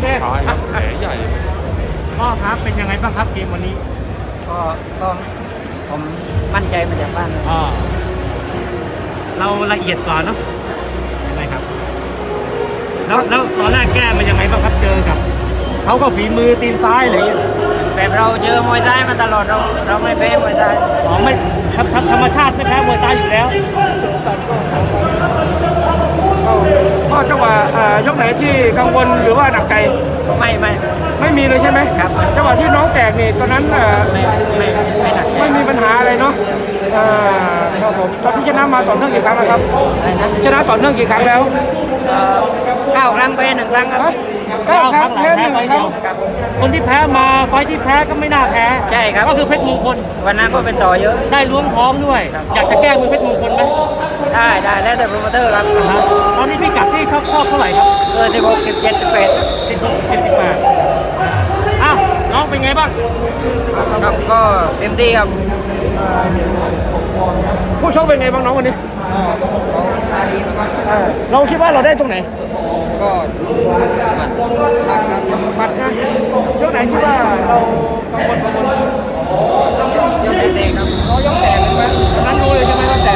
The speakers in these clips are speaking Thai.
ชายครับแผลใหญ่ก็ครับเป็นยังไงบ้างครับเกมวันนี้ก็ผมมั่นใจมาจากบ้านเลยอ่าเราละเอียดกว่าเนาะใช่ไหมครับแล้วตอนแรกแก้มันยังไงบ้างครับเจอกับเขาก็ฝีมือตีนซ้ายอะไรอย่างเงี้ยแบบเราเจอมวยซ้ายมาตลอดเราไม่แพ้มวยซ้ายอ๋อไม่ธรรมชาติไม่แพ้มวยซ้ายอยู่แล้วก็จังหวะยกไหนที่กังวลหรือว่าหนักใจไม่มีเลยใช่ไหมครับจังหวะที่น้องแตกนี่ตอนนั้นไม่หนักใจไม่มีปัญหาอะไรเนาะครับผมตอนที่ชนะมาต่อเนื่องกี่ครั้งแล้วครับอะไรนะชนะต่อเนื่องกี่ครั้งแล้ว 9 ครั้งแพ้1 ครั้งครับเก้าครั้งแพ้หนึ่งครั้งครับคนที่แพ้มาไฟท์ที่แพ้ก็ไม่น่าแพ้ใช่ครับก็คือเพชรมงคลวันนั้นก็เป็นต่อเยอะได้ล้วงท้องด้วย อยากจะแก้มือเพชรมงคลไหมได้แล้วแต่โปรโมเตอร์ครับตอนนี้พี่กัดที่ชอบเท่าไหร่ครับ 16 17 18 78อ้าวน้องเป็นไงบ้างครับก็เต็มที่ครับผู้ชกเป็นไงบ้างน้องวันนี้เขามาดีมากเราคิดว่าเราได้ตรงไหนก็ตัดครับบัตรนะยกไหนที่ว่าเรากังวลยกเตะครับเรายกแตกใช่ไหมตอนนั้นรู้เลยใช่ไหมว่าแตก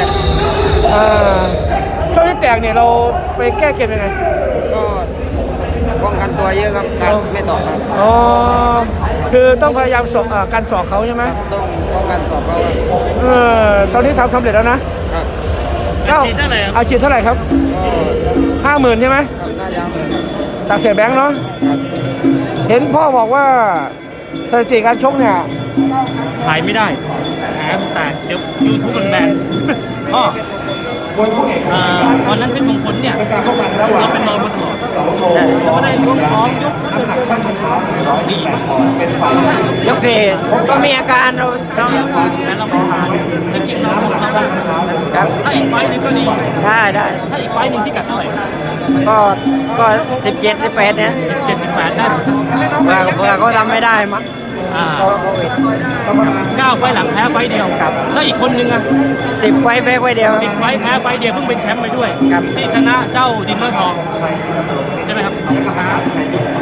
ช่วงที่แตกเนี่ยเราไปแก้เกมยังไงก็ป้องกันตัวเยอะครับการไม่ต่อครับอ๋อคือต้องพยายามสอบการสอบเขาใช่ไหมต้องป้องกันต่อเขาครับตอนนี้ทำสำเร็จแล้วนะครับฉีดเท่าไหร่ครับเอาฉีดเท่าไหร่ครับก็ 50,000ใช่ไหมน่าจะเหมือนจากเสียแบงค์เนาะครับเห็นพ่อบอกว่าสถิติการชกเนี่ยถ่ายไม่ได้แผลมันแตกเดี๋ยว YouTube มันแบนพ่อตอนนั้นเป็นมงคลเนี่ยเราเป็นรองมาตลอดใช่เราก็ได้ล้วงท้องยกสี่ยกสี่ก็มีอาการเราแต่เราไม่ผ่านแต่จริงเราต้องทำครับถ้าอีกไฟล์หนึงก็ดีได้ถ้าอีกไฟล์หนึ่งที่กัดเท่าไหร่ก็17 18เนี่ย 78ได้เผื่อเขาทำไม่ได้มั้งอ่าเพราะโควิด 9 ไฟล์หลังแพ้ไฟล์เดียวครับแล้วอีกคนนึงอ่ะ 10 ไว้แพ้ไว้เดียว 10 ไฟล์แพ้ไฟล์เดียวเพิ่งเป็นแชมป์ไปด้วยครับที่ชนะเจ้าดินเนอร์ทองใช่ไหมครับ